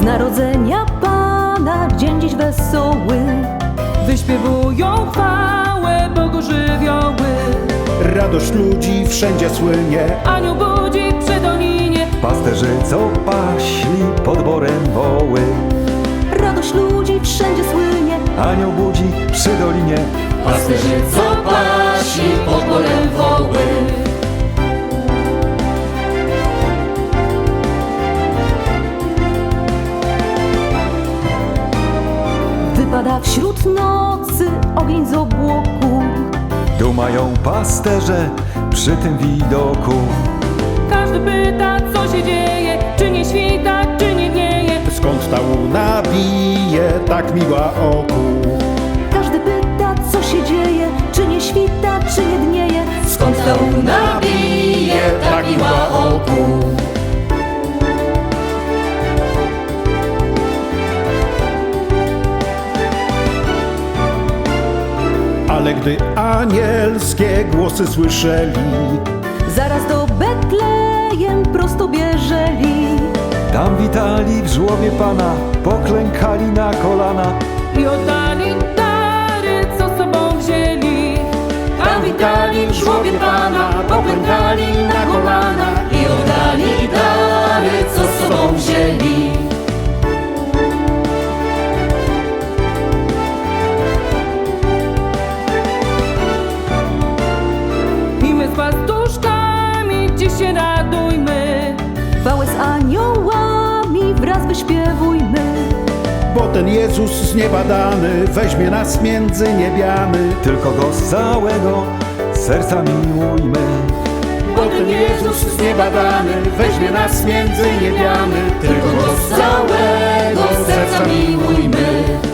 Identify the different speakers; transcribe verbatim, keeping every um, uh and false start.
Speaker 1: Z narodzenia Pana dzień dziś wesoły, wyśpiewują chwałę Bogu żywioły.
Speaker 2: Radość ludzi wszędzie słynie,
Speaker 1: Anioł budzi przy dolinie,
Speaker 3: Pasterze, co paśli pod borem woły.
Speaker 1: radość ludzi wszędzie słynie.
Speaker 3: Anioł budzi przy dolinie,
Speaker 1: Pasterzy, co pasi pod borem woły. Wypada wśród nocy ogień z obłoku,
Speaker 3: dumają pasterze przy tym widoku.
Speaker 1: każdy pyta, co się dzieje, czy nie świta, czy nie dnieje.
Speaker 2: skąd ta łuna bije tak miła oku.
Speaker 1: Każdy pyta, co się dzieje, czy nie świta, czy nie dnieje. Skąd ta łuna bije tak miła oku.
Speaker 2: Ale gdy anielskie głosy słyszeli,
Speaker 1: Zaraz do Betlejem prosto bieżeli
Speaker 3: Tam witali w żłobie Pana, poklękali na kolana.
Speaker 1: i oddali dary, co sobą wzięli. Tam witali w żłobie Pana, poklękali na kolana i oddali dary, co sobą wzięli. I my z pastuszkami dziś się radujmy, chwałę z aniołami wraz wyśpiewujmy.
Speaker 2: bo ten Jezus z nieba dany weźmie nas między niebiany.
Speaker 3: Tylko Go z całego serca miłujmy.
Speaker 2: Bo ten Jezus z nieba dany weźmie nas między niebiany.
Speaker 1: Tylko Go z całego serca miłujmy.